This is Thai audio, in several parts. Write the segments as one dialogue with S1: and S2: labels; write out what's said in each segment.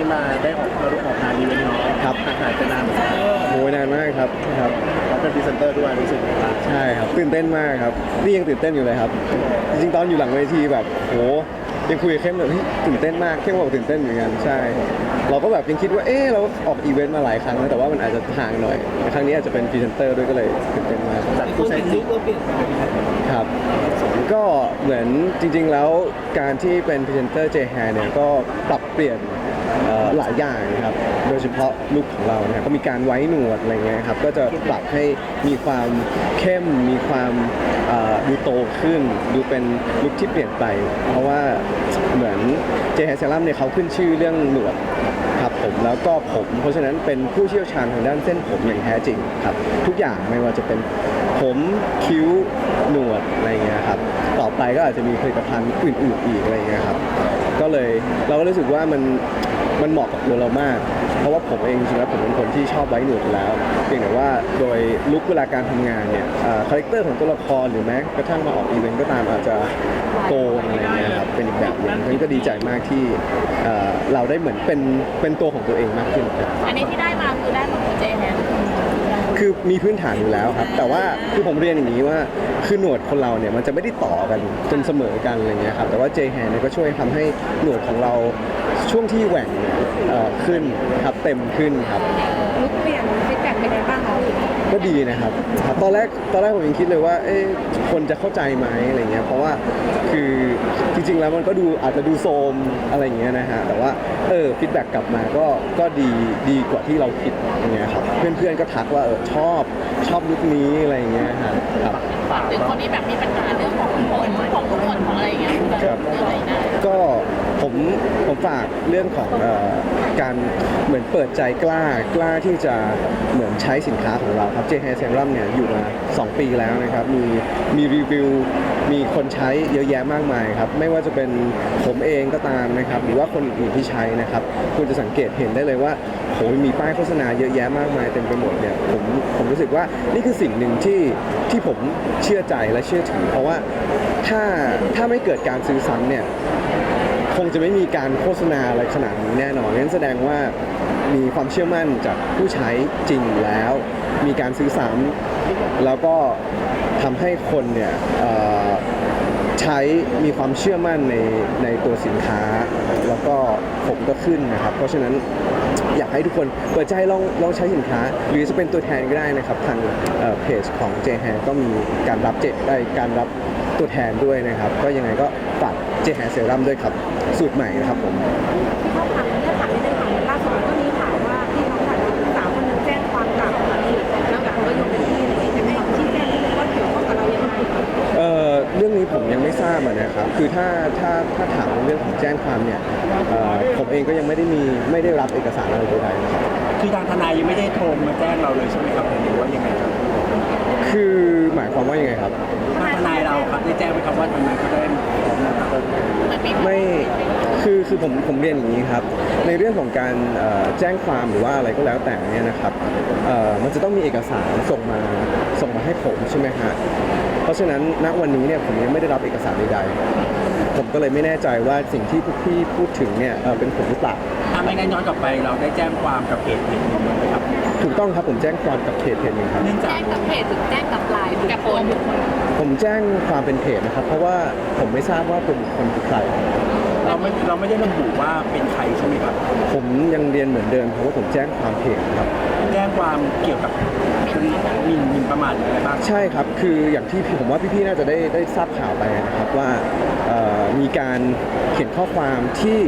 S1: มาได้ออกงานอีเวนต์เนาะ
S2: ครับ
S1: หายไปนาน
S2: โหนานมากครับ
S1: แล้วเป็นพรีเซนเตอร์ด้วยรู้สึกยังไงบ้าง
S2: ใช่ครับตื่นเต้นมากครับนี่ยังตื่นเต้นอยู่เลยครับจริงๆตอนอยู่หลังเวทีแบบโหยังคุยกับเข้มเลยตื่นเต้นมากเข้มบอกตื่นเต้นเหมือนกันใช่เราก็แบบยังคิดว่าเราออกอีเวนต์มาหลายครั้งแล้วแต่ว่ามันอาจจะห่างหน่อยแต่ครั้งนี้อาจจะเป็นพรีเซนเตอร์ด้วยก็เลยตื่นเต้นมาก
S1: จากผู้ใช้จริง
S2: ครับก็เหมือนจริงๆแล้วการที่เป็นพรีเซนเตอร์ J-Hair เนี่ยก็ปรับเปลี่ยนหลายอย่างนะครับโดยเฉพาะลุคของเราเนี่ยก็มีการไว้หนวดอะไรเงี้ยครับก็จะปรับให้มีความเข้มมีความดูโตขึ้นดูเป็นลุคที่เปลี่ยนไปเพราะว่าเหมือน J-Hair Serum เนี่ยเขาขึ้นชื่อเรื่องหนวดครับผมแล้วก็ผมเพราะฉะนั้นเป็นผู้เชี่ยวชาญทางด้านเส้นผมอย่างแท้จริงครับทุกอย่างไม่ว่าจะเป็นผมคิ้วหนวดอะไรเงี้ยครับต่อไปก็อาจจะมีผลิตภัณฑ์อื่นๆอีกอะไรเงี้ยครับก็เลยเราก็รู้สึกว่ามันเหมาะกับตัวเรามากเพราะว่าผมเองจริงๆแล้วผมเป็นคนที่ชอบไว้หนวดอยู่แล้วเพียงแต่ว่าโดยลุคเวลาการทำงานเนี่ยคาแรคเตอร์ของตัวละครหรือแม้กระทั่งมาออกอีเวนต์ก็ตามอาจจะโกนอะไรเงี้ยครับเป็นอีกแบบหนึงนั้นก็ดีใจมากที่เราได้เหมือนเป็นตัวของตัวเองมากขึ้นครับ
S3: อันนี้ที่ได้มาคือได้ของเจแฮน
S2: คือมีพื้นฐานอยู่แล้วครับแต่ว่าคือผมเรียนอย่างนี้ว่าคือหนวดคนเราเนี่ยมันจะไม่ได้ต่อกันจนเสมอกันอะไรเงี้ยครับแต่ว่า J-Hair เนี่ยก็ช่วยทำให้หนวดของเราช่วงที่แหว่งขึ้นครับเต็มขึ้นครับ
S3: ลุกเปลี่ยนฟีดแบ็กเป็นไงบ้างคะ
S2: ก็ดีนะครับตอนแรกผมยังคิดเลยว่าคนจะเข้าใจไหมอะไรเงี้ยเพราะว่าคือจริงๆแล้วมันก็ดูอาจจะดูโซมอะไรเงี้ยนะฮะแต่ว่าฟีดแบ็กกลับมาก็ดีกว่าที่เราคิดอย่างเงี้ยครับเพื่อนๆก็ทักว่าชอบลุคนี้อะไรเงี้ยครับ
S3: ถึงคนที่แบบมีปัญหาเรื่องของผมของทุกคนของอะไรเงี้ย
S2: ครับก็ผมฝากเรื่องของการเหมือนเปิดใจกล้าที่จะเหมือนใช้สินค้าของเราครับ J-Hair Serum เนี่ยอยู่มา2 ปีแล้วนะครับมีรีวิวมีคนใช้เยอะแยะมากมายครับไม่ว่าจะเป็นผมเองก็ตามนะครับหรือว่าคนอื่นที่ใช้นะครับคุณจะสังเกตเห็นได้เลยว่าโหมีป้ายโฆษณาเยอะแยะมากมายเต็มไปหมดเนี่ยผมรู้สึกว่านี่คือสิ่งหนึ่งที่ผมเชื่อใจและเชื่อถือเพราะว่าถ้าไม่เกิดการซื้อซ้ำเนี่ยคงจะไม่มีการโฆษณาอะไรขนาดนี้แน่นอนนั่นแสดงว่ามีความเชื่อมั่นจากผู้ใช้จริงแล้วมีการซื้อซ้ำแล้วก็ทำให้คนเนี่ยใช้มีความเชื่อมั่นในตัวสินค้าแล้วก็ผมก็ขึ้นนะครับเพราะฉะนั้นอยากให้ทุกคนเปิดใจลองใช้สินค้าหรือจะเป็นตัวแทนก็ได้นะครับทางเพจของ J-Hair ก็มีการรับตัวแทนด้วยนะครับก็ยังไงก็ฝาก J-Hair Serum ด้วยครับสูตรใหม่นะครับผม
S3: ถ้าถามไม่ได้ถามล่าสุดก็มีข่าวว่าที่น้องถ่ายสาวคนนึงแจ้งความกลับแล้วกับเขาโยนเป็นที่อะไรอย่างเงี้ยจะให้ชี้แจงนิดนึงว่าเกี่ยวข้องกับเรายังไง
S2: เรื่องนี้ผมยังไม่ทราบนะครับคือถ้าถามเรื่องของแจ้งความเนี่ยผมเองก็ยังไม่ได้รับเอกสารอะไรใดๆนะครับ
S1: คือทางทนายยังไม่ได้โทรมาแจ้งเราเลยใช่ไหมครับหรือว่ายังไงครับ
S2: คือหมายความว่ายังไงครับ
S1: ทางทนายเราครับได้แจ้งไหมครับว่าทนายเขาได้
S2: ไม่คือผมเรียนอย่างนี้ครับในเรื่องของการแจ้งความหรือว่าอะไรก็แล้วแต่เนี่ยนะครับมันจะต้องมีเอกสารส่งมาให้ผมใช่ไหมฮะเพราะฉะนั้นณวันนี้เนี่ยผมยังไม่ได้รับเอกสารใดๆผมก็เลยไม่แน่ใจว่าสิ่งที่พวกพี่พูดถึงเนี่ยเป็นผมหรือเปล่า
S1: ถ้าไม่งั้นย้อนกลับไปเราได้แจ้งความกับเพจหนึ่งไหมครับ
S2: ถูกต้องครับผมแจ้งความกับเพจหนึ่งครับ
S3: แจ้งกับเพจหรือแจ้งกับไลน์กับคน
S2: ผมแจ้งความเป็นเพจนะครับเพราะว่าผมไม่ทราบว่าเป็นคนคือใคร
S1: เราไม่ได้ระบุว่าเป็นใครใช่ไหมครับ
S2: ผมยังเรียนเหมือนเดิมเพราะว่าผมแจ้งความเพจครับ
S1: แจ้งความเกี่ยวกับหมิ่นประมาทอะไรบ้าง
S2: ใช่ครับคืออย่างที่ผมว่าพี่ๆน่าจะได้ทราบข่าวไปนะครับว่ามีการเขียนข้อความที่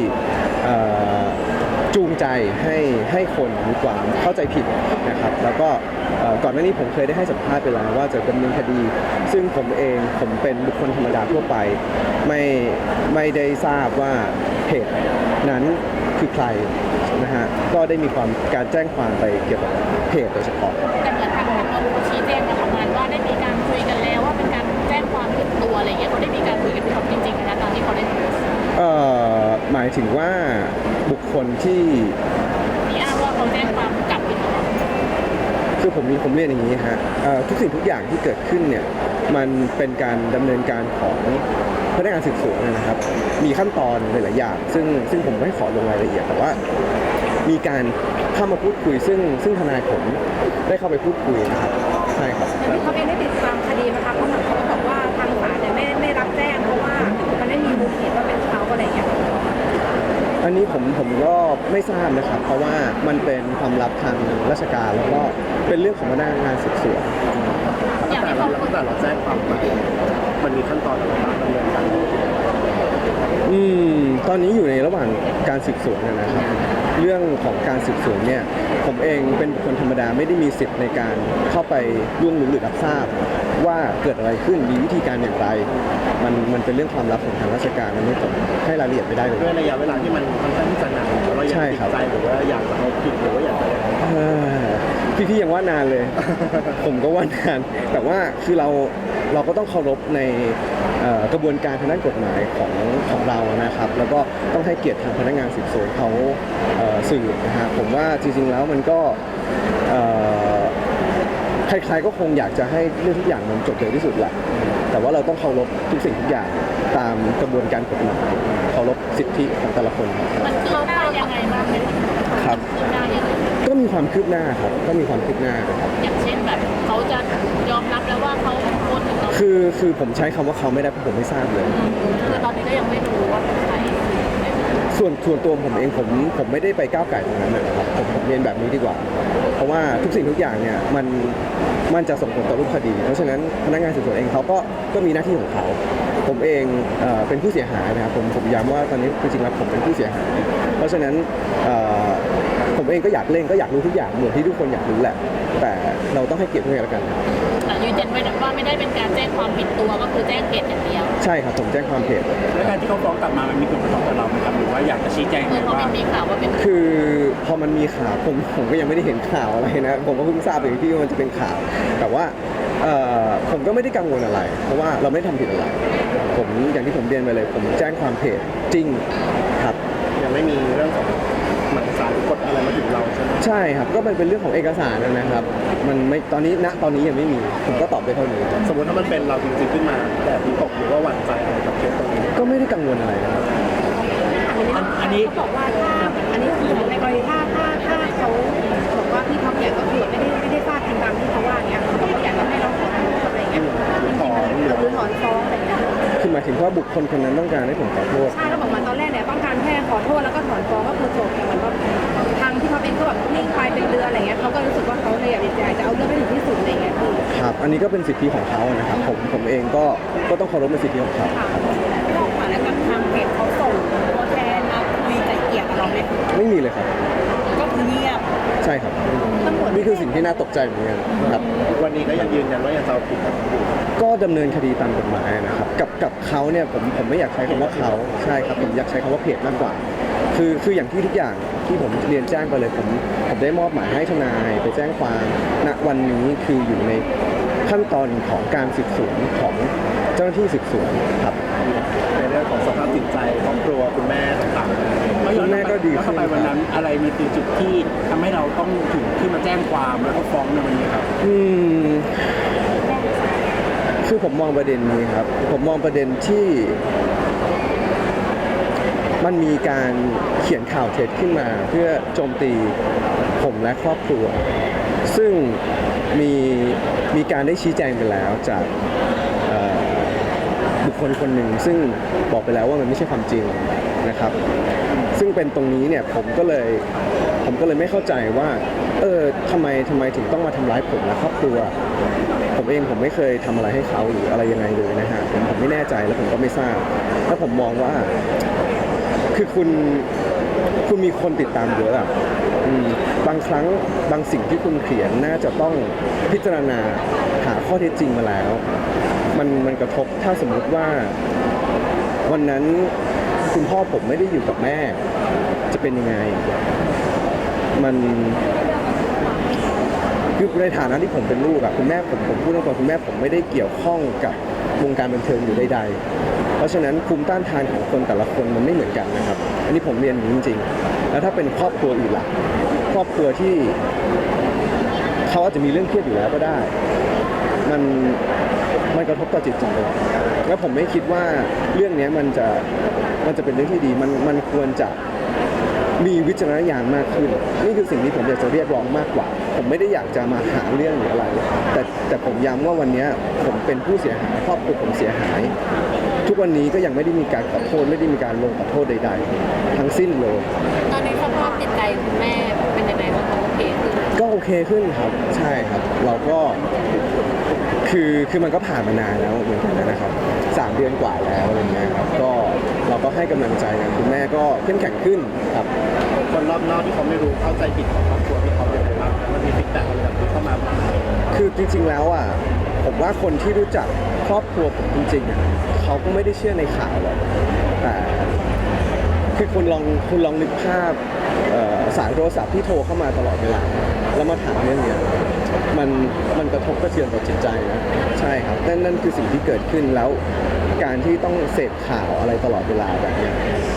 S2: จูงใจให้คนมีความเข้าใจผิดนะครับแล้วก็ก่อนหน้านี้ผมเคยได้ให้สัมภาษณ์ไปแล้วว่าจะดำเนินคดีซึ่งผมเป็นบุคคลธรรมดาทั่วไปไม่ได้ทราบว่าเพจนั้นคือใครนะฮะก็ได้มีการแจ้งความไปเกี่ยวกับเพจโดยเฉพาะ
S3: แต่เหมือนทางนนท์ชี้แจงมาประมาณว่าได้มีการคุยกันแล้วว่าเป็นการแจ้งความผิดตัวอะไรเงี้ยเขาได้มีการคุยกันจริงๆนะตอนที่เขาได้โพสต์
S2: หมายถึงว่าบุคคลที่
S3: อ้างว่าเขาแจ้งความกลับผิด
S2: คือผมเรียนอย่างนี้ฮะทุกสิ่งทุกอย่างที่เกิดขึ้นเนี่ยมันเป็นการดำเนินการของพพนักงานสืบสวนนะครับมีขั้นตอนหลายๆอย่างซึ่งผมไม่ขอลงรายละเอียดแต่ว่ามีการเข้ามาพูดคุยซึ่งทนายผมได้เข้าไปพูดคุยนะครับใช่ครับ
S3: แล้วที่เขาเองได้ติดตามคดีไหมคะเพราะเหมือนเขาก็บอกว่าทางศาลเนี่ยไม่รับแจ้งเพราะว่ามันไม่มีมูลเหตุว่าเป็นเขาอะไรอย่างเงี้ย
S2: อันนี้ผมก็ไม่ทราบนะครับ เพราะว่ามันเป็นความลับทางราชการแล้วก็เป็นเรื่องของพนักงานสืบสวน
S1: ตั้งแต่เราแจ้งความไปมันมีขั้นตอนอะไรบ้างดำเนินการ
S2: ตอนนี้อยู่ในระหว่างการสืบสวนนะครับ เรื่องของการสืบสวนเนี่ยผมเองเป็นคนธรรมดาไม่ได้มีสิทธิ์ในการเข้าไปล่วงรู้หรือรับทราบว่าเกิดอะไรขึ้นมีวิธีการอย่างไรมันเป็นเรื่องความลับของทางราชการมันไม่ผมให้รายละเอียดไม่ได้เลย
S1: ด้วยระยะเวลาที่มันค่อนข้างที่จะนานเราอยากติดใจหรือว่าอยากจะเอาผิดหรือว่าอยากจะ
S2: พี่ยังว่านานเลย ผมก็ว่านานแต่ว่าคือเราก็ต้องเคารพในกระบวนการทางด้านกฎหมายของเรานะครับ แล้วก็ต้องให้เกียรติทางพนักงานสืบสวนเขาสืบนะฮะผมว่าจริงๆแล้วมันก็ใครๆก็คงอยากจะให้เรื่องทุกอย่างมันจบเร็วที่สุดแหละแต่ว่าเราต้องเคารพทุกสิ่งทุกอย่างตามกระบวนการกฎหมายเคารพสิทธิของแต่ละคน
S3: มันคืบหน้ายังไงบ้างไหม
S2: ครับ
S3: คืบหน้ายังไง
S2: ก็มีความคืบหน้าครับก็มีความคืบหน้าครับ
S3: อย่างเช่นแบบเขาจะยอมรับแล้วว่าเขาโอนถึงเรา
S2: คือผมใช้คำว่าเขาไม่ได้เพราะผมไม่ทราบเลย
S3: คือตอนนี้ก็ยังไม่รู้ว่าเป็นใคร
S2: ส่วนตัวผมเองผมไม่ได้ไปก้าวไก่ตรงนั้นนะครับผมเรียนแบบนี้ดีกว่า เพราะว่าทุกสิ่งทุกอย่างเนี่ยมันจะส่งผลต่อรูปคดี เพราะฉะนั้นพนักงานสืบสวนเองเขาก็มีหน้าที่ของเขาผมเองเป็นผู้เสียหายนะครับผมย้ำว่าตอนนี้จริงๆแล้วผมเป็นผู้เสียหาย เพราะฉะนั้นผมเองก็อยากเล่นก็อยากรู้ทุกอย่างเหมือนที่ทุกคนอยากรู้แหละ แต่เราต้องให้เกียรติด้วยกันแล้วกัน
S3: แต่ยืนยันว่าไม่ได้เป็นการแจ้งความผิดตัวก็คือแจ้งเหตุอย่างเดียว
S2: ใช่ครับผมแจ้งความผิด
S1: แล้วการที่เขาฟ้องกลับมามันมีผลกระทบกับเราไหมครับหรือว่าอยากจะชี้แจง
S3: เมื่อเขา
S1: ว่า
S3: เป็นมีข่าวว่าเป็น
S2: คือพอมันมีข่าวผมก็ยังไม่ได้เห็นข่าวอะไรนะผมก็เพิ่งทราบเองที่ว่ามันจะเป็นข่าว แต่ว่าผมก็ไม่ได้กังวลอะไร เพราะว่าเราไม่ได้ทำผิดอะไรผมอย่างที่ผมเรียนไปเลย ผมแจ้งความเพจจริงครับ
S1: ยังไม่มีเรื่องของหมายสารกฎอะไรมาถึงเราใช่ไหม
S2: ใช่ครับก็เป็นเรื่องของเอกสารนะครับ มันไม่ตอนนี้ยังไม่มีผมก็ตอบได้เท่านี้
S1: สมมติถ้ามันเป็นเราจริงๆขึ้นมาแต่วิตกหรือว่าหวั่นใจอะไรกับเคสตรงนี้
S2: ก็ไม่ได้กังวลอะไรนะครับ
S1: อันนี้
S3: เขาบอกว่าถ้าอันนี้คือในกรณีถ้าเขาบอกว่าพี่ท็อปเนี่ยก็คือไม่ได้ฟาดจริงตามที่เขาว่าเนี่ยเขาบอกว่าอยากจะให้เราขอโทษอะไรเงี้ยหรือถอนฟ้องอะไรเงี้ย
S2: คือหมายถึงว่าบุคคลคนนั้นต้องการให้ผมขอโทษ
S3: ใช่เขาบอกมาตอนแรกเนี่ยต้องการแค่ขอโทษแล้วก็ถอนฟ้องก็คือจบแต่เหมือนว่าทางที่เขาเองก็แบบนิ่งไปเป็นเดือนอะไรเงี้ยเขาก็รู้สึกว่าเขาเลยอยากจะเอาเรื่องให้ถึงที่สุดอะไรเงี้ยคือ
S2: ครับ อันนี้ก็เป็นสิทธิของเขานะครับผมเองก็ต้องเคารพในสิทธิของเขา
S3: ค่ะพี่ท็อปค่ะแล้วกับทางเพจเขาส่งตัวแทนมาคุยไกล่เกลี่ยกับเราไหม
S2: ไม่มีเลยครับ
S3: ก็คือเงียบ
S2: ใช่ครับ
S3: ตำรวจ
S2: นี่คือสิ่งที่น่าตกใจเหมือนกันครับ
S1: วันนี้ก็ยังยืนยันว่ายังจะเอาผิดกับอยู่
S2: ก็ดำเนินคดีตามกฎหมายนะครับกับเขาเนี่ยผมไม่อยากใช้คำว่าเขาใช่ครับผมอยากใช้คำว่าเพจมากกว่า คืออย่างที่ทุกอย่างที่ผมเรียนแจ้งไปเลยผมได้มอบหมายให้ทนายไปแจ้งความณวันนี้คืออยู่ในขั้นตอนของการสืบสวนของเจ้าหน้าที่สืบสวนครับ
S1: ในเรื่องของสภาพจิตใจครอบครัวคุณแม่ต่างๆ
S2: คุณแม่ก็ดีขึ้น
S1: แล้วทำไมวันนั้นอะไรมันคือจุดที่ทำให้เราต้องถึงที่มาแจ้งความแล้วก็ฟ้องในวันนี้ครับ
S2: คือผมมองประเด็นนี้ครับ ผมมองประเด็นที่มันมีการเขียนข่าวเท็จขึ้นมาเพื่อโจมตีผมและครอบครัว ซึ่งมีการได้ชี้แจงไปแล้วจากบุคคลคนหนึ่งซึ่งบอกไปแล้วว่ามันไม่ใช่ความจริงนะครับ ซึ่งเป็นตรงนี้เนี่ยผมก็เลยไม่เข้าใจว่าทำไมถึงต้องมาทำร้ายผมและครอบครัว ผมเองผมไม่เคยทำอะไรให้เขาหรืออะไรยังไงเลยนะฮะผมไม่แน่ใจแล้วผมก็ไม่ทราบแล้วผมมองว่าคือคุณมีคนติดตามเยอะอะบางครั้งบางสิ่งที่คุณเขียนน่าจะต้องพิจารณาหาข้อเท็จจริงมาแล้ว มันกระทบถ้าสมมุติว่าวันนั้นคุณพ่อผมไม่ได้อยู่กับแม่จะเป็นยังไงมันคือในฐานะที่ผมเป็นลูกอะคุณแม่ผมพูดตรงๆคุณแม่ผมไม่ได้เกี่ยวข้องกับวงการบันเทิงอยู่ใดๆเพราะฉะนั้นภูมิต้านทานของคนแต่ละคนมันไม่เหมือนกันนะครับอันนี้ผมเรียนอย่างนี้จริงๆแล้วถ้าเป็นครอบครัวอื่นล่ะครอบครัวที่เขาอาจจะมีเรื่องเครียดอยู่แล้วก็ได้มันกระทบต่อจิตใจแล้วผมไม่คิดว่าเรื่องนี้มันจะเป็นเรื่องที่ดีมันควรจะมีวิจารณญาณมากขึ้นนี่คือสิ่งที่ผมอยากจะเรียกร้องมากกว่าผมไม่ได้อยากจะมาหาเรื่องหรืออะไรแต่ผมย้ำว่าวันนี้ผมเป็นผู้เสียหายครอบครัวผมเสียหาย ทุกวันนี้ก็ยังไม่ได้มีการขอโทษไม่ได้มีการลงขอโทษใดๆทั้งสิ้นเลย
S4: ตอนนี้สภาพจิตใจคุณแม่เป็นยังไงบ้างคะโอเคขึ้น
S2: ก็โอเคขึ้นครับใช่ครับเราก็คือมันก็ผ่านมานานแล้วเหมือนกันนะครับ3 เดือนกว่าแล้วอะไรเงี้ยครับก็เราก็ให้กำลังใจกันคุณแม่ก็เข้มแข็งขึ้นครับ
S1: คนรอบนอกที่เขาไม่รู้เข้าใจผิดของครอบครัวที่เขาเป็นอะไรบ้างมันมีฟีดแบ็กอะไรแบบนี้เข้ามาบ้างไหม
S2: คือจริงๆแล้วอ่ะผมว่าคนที่รู้จักครอบครัวผมจริงๆอ่ะเขาก็ไม่ได้เชื่อในข่าวหรอกแต่คือคุณลองนึกภาพสายโทรศัพท์ที่โทรเข้ามาตลอดเวลาแล้วมาถามเรื่องเนี้ยมันกระทบกระเทือนต่อจิตใจนะใช่ครับนั่นคือสิ่งที่เกิดขึ้นแล้วการที่ต้องเสพข่าวอะไรตลอดเวลาแบบเนี้ย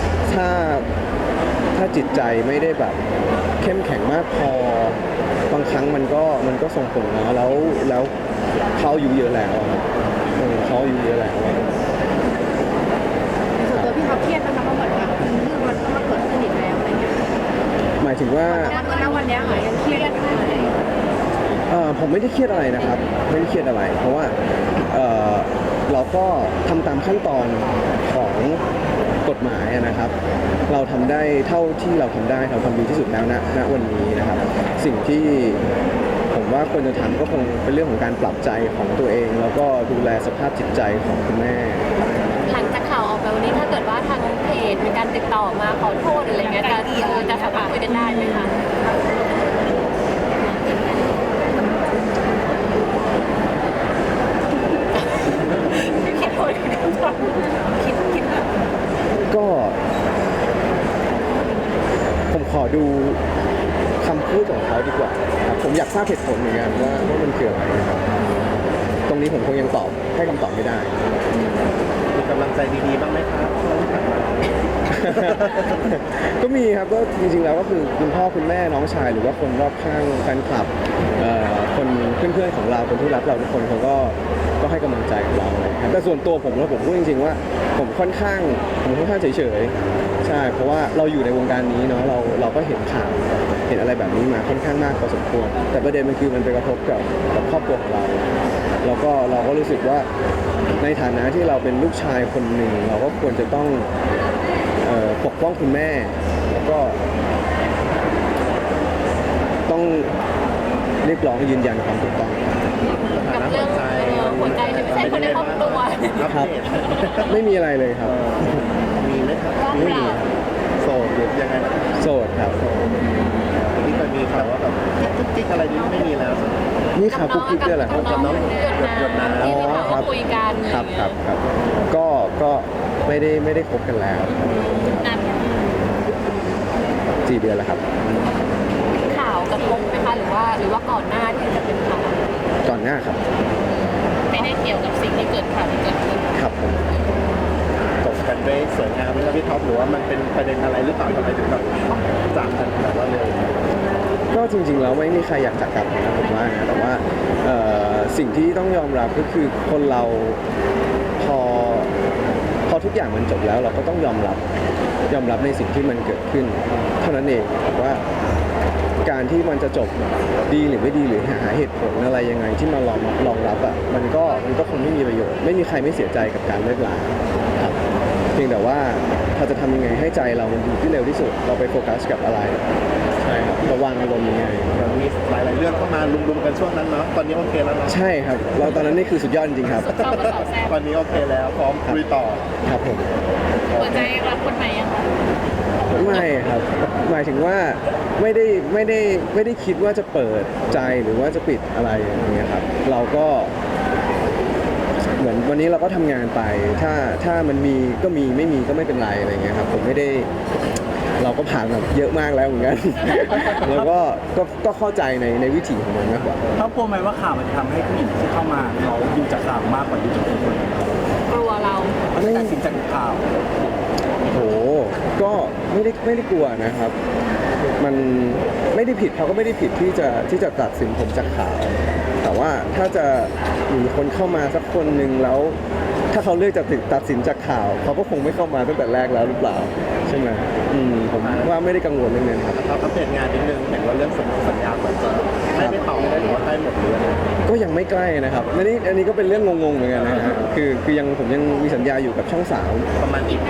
S2: ถ้าจิตใจไม่ได้แบบเข้มแข็งมากพอบางครั้งมันก็ส่งผลนะแล้วเขาอายู่เยอะแล้วอะครับเขาอายู่เยอะแล้ว
S3: ส่วนตัวพี่เขาเครียดนะคะเพราะเหมือนแบบเรื่องมันก็มาเกิดขึ้นอีกแล้วอะไรเงี้ย
S2: หมายถึงว่า
S3: ณวันเนี้ยค่ะยังเครียดอยู่ไหม
S2: ผมไม่ได้เครียดอะไรนะครับไม่ได้เครียดอะไร เพราะว่าเราก็ทำตามขั้นตอนของกฎหมายนะครับ เราทำได้เท่าที่เราทำได้เราทำดีที่สุดแล้วณวันนี้นะครับ สิ่งที่ผมว่าควรจะทำก็คงเป็นเรื่องของการปรับใจของตัวเอง แล้วก็ดูแลสภาพจิตใจของคุณแม่
S4: หลังจากข่าวออกไปวันนี้ถ้าเกิดว่าทางเพจมีการติดต่อมาขอโทษหรืออะไรเงี้ยจะสามารถคุยกันได้ไหมคะ คิดโทษคิด
S2: ก็ผมขอดูคำพูดของเขาดีกว่าครับผมอยากทราบเหตุผลเหมือนกันว่ามันคืออะไรนะครับตรงนี้ผมคงยังให้คำตอบไม่ได้
S1: มีกำลังใจดีๆบ้างไหมครับช่วงที่ผ่านมา
S2: ก็มีครับก็จริงๆแล้วก็คือคุณพ่อคุณแม่น้องชายหรือว่าคนรอบข้างแฟนคลับคนเพื่อนๆของเราคนที่รักเราทุกคนเขาก็ให้กำลังใจกับเราเลยครับแต่ส่วนตัวผมแล้วผมพูดจริงๆว่าผมค่อนข้างเฉยๆใช่เพราะว่าเราอยู่ในวงการนี้เนาะเราก็เห็นข่าวเห็นอะไรแบบนี้มาค่อนข้างมากพอสมควรแต่ประเด็นมันคือมันไปกระทบกับครอบครัวของเราเราก็รู้สึกว่าในฐานะที่เราเป็นลูกชายคนหนึ่งเราก็ควรจะต้องปกป้องคุณแม่แล้วก็ต้องเรียกร้องยืนยันความถูกต้อง
S4: กับเรื่องหัวใจที่ไม่ใช่คนในครอบครัว
S2: ครับไม่มีอะไรเลยครับ
S1: มีไหมครับ
S2: ไม่มี
S1: โสดหรือยังไงนะครับ
S2: โสดครับ
S1: ที่เคยมีข่าวว่าแบบจิ๊กอะไรนี่ไม่มีแล้ว
S2: นี่ข่าวกุ๊กกิ๊กด้วยเหรอครับ
S4: กับน้องหยดน้ำที่มีข่าวว่าคุยกัน
S2: ครับก็ไม่ได้คบกันแล้ว
S4: นาน
S2: 4 เดือนแล้วครับ
S4: ข่าวกระทบไหมคะหรือว่าก่อนหน้าที่จะเป็นข่าว
S2: ก่อนหน้าครับ
S4: ไม่ได้เกี่ยวกับสิ่งที่เกิดข่าวที่เกิดขึ้น
S2: ครับผม
S1: จบกันด้วยสวยงามไหมครับพี่ท็อปหรือว่ามันเป็นประเด็นอะไรหรือเปล่าทำไมถึงแบบจากกันแบบว่าเร็ว
S2: ก็จริงๆแล้วไม่มีใครอยากจากกันนะผมว่านะแต่ว่าสิ่งที่ต้องยอมรับก็คือคนเราพอทุกอย่างมันจบแล้วเราก็ต้องยอมรับในสิ่งที่มันเกิดขึ้น เท่านั้นเองว่าการที่มันจะจบดีหรือไม่ดีหรือหาเหตุผลอะไรยังไงที่มารองรับอ่ะมันก็คงไม่มีประโยชน์ไม่มีใครไม่เสียใจกับการเลิกลาครับเพียงแต่ว่าเราจะทำยังไงให้ใจเรามันอยู่ที่เร็วที่สุดเราไปโฟกัสกับอะไรใช่ครับระวังอารมณ์ยังไง
S1: มันมีหลายๆเรื่องเข้ามาลุมๆกันช่วงนั้นเนาะตอนนี้โอเคแล้วเนาะ
S2: ใช่ครับเราตอนนั้นนี่คือสุดยอดจริงๆครับ
S4: เข้ามาสอดแทรก
S1: ตอนนี้โอเคแล้วพร้อมคุยต่อ
S2: ครับผม
S4: หัวใจรับคนใหม่ยังคะ
S2: ไม่ครับหมายถึงว่าไม่ได้คิดว่าจะเปิดใจหรือว่าจะปิดอะไรอย่างเงี้ยครับเราก็เหมือนวันนี้เราก็ทำงานไปถ้ามันมีก็มีไม่มีก็ไม่เป็นไรอะไรเงี้ยครับผมไม่ได้เราก็ผ่านแบบเยอะมากแล้วเหมือนกัน แล้วก็เข้าใจในวิถีของมันมากกว่า
S1: เขากลัวไหมว่าข่าวมันจะทำให้ผู้หญิงที่เข้ามาเขาดูจากข่าวมากกว่าดูจากคน
S4: กลัวเรา
S1: เขาจะตัดสินจากข่าว
S2: โหก็ไม่ได้กลัวนะครับ มันไม่ได้ผิดเขาก็ไม่ได้ผิดที่จะตัดสินผมจากข่าว แต่ว่าถ้าจะมีคนเข้ามาสักคนหนึ่งแล้วถ้าเขาเลือกจะตัดสินจากข่าวเขาก็คงไม่เข้ามาตั้งแต่แรกแล้วหรือเปล่าใช่ไหมผมว่าไม่ได้กังวลเรื่องนั้นครับ
S1: เราอัปเดตงานนิดนึงเห็นว่าเรื่องสัญญาเหมือนจะให้ไม่ต่อได้หรือว่าให้หมดหรืออะไร
S2: ก็ยังไม่ใกล้นะครับอันนี้ก็เป็นเรื่องงงๆเหมือนกันนะฮะคือยังผมยังมีสัญญาอยู่กับช่องสาม
S1: ประมาณกี่ปี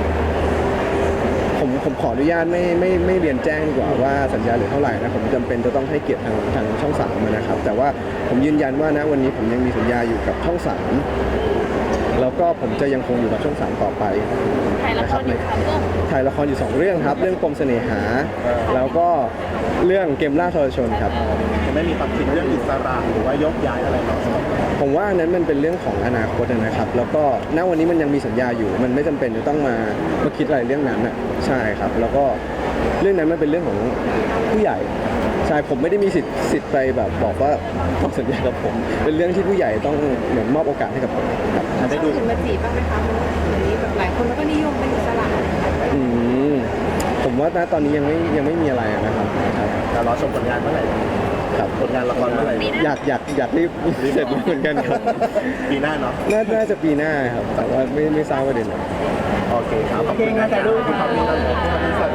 S2: ผมขออนุญาตไม่เรียนแจ้งดีกว่าว่าสัญญาเหลือเท่าไหร่นะผมจำเป็นจะต้องให้เกียรติทางช่องสามนะครับแต่ว่าผมยืนยันว่านะวันนี้ผมยังมีสัญญาอยู่กับช่องสามแล้วก็ผมจะยังคงอยู่กับช่องสามต่อไป
S4: ถ่ายละครอยู่ค่ะเรื่อง
S2: ถ่ายละครอยู่2เรื่องครับเรื่องปมเสน่หา แล้วก็เรื่องเกมล่าทรชนครับ
S1: ยังไม่มีความคิดเรื่องอิสระหรือว่ายกย้ายอะไรหรอก
S2: ผมว่าอันนั้นมันเป็นเรื่องของอนาคตนะครับ แล้วก็ณวันนี้มันยังมีสัญญาอยู่ มันไม่จำเป็นจะต้องมาคิดอะไรเรื่องนั้นอ่ะใช่ครับ แล้วก็เรื่องนั้นมันเป็นเรื่องของผู้ใหญ่ใช่ผมไม่ได้มีสิทธิ์ไปแบบบอกว่าต้องสัญญากับผม เป็นเรื่องที่ผู้ใหญ่ต้องเหมือนมอบโอกาสให้กับผมครับ
S1: ได้
S3: ช่
S1: ดู
S3: องอื่นมาจีบบ้างไหมคะเพราะว่าเดี๋ยวนี้แบบหลายคนก็นิยมเป็นอิสระ
S2: อืมผมว่าณตอนนี้ยังไม่มีอะไรนะครับครับ
S1: แต่รอชมผลงานเมื่อไหร่
S2: ครับ
S1: ผลงานละครเมื่อไหร่
S2: อยากรีบเสร็จเหมือนกันครับ
S1: ปีหน้าเนาะ
S2: น่าจะปีหน้าครับ แต่ว่าไม่ทราบว่าเดือนไหน
S1: โอเคครับขอบคุณนะถ่ายรูปขอบคุณครับ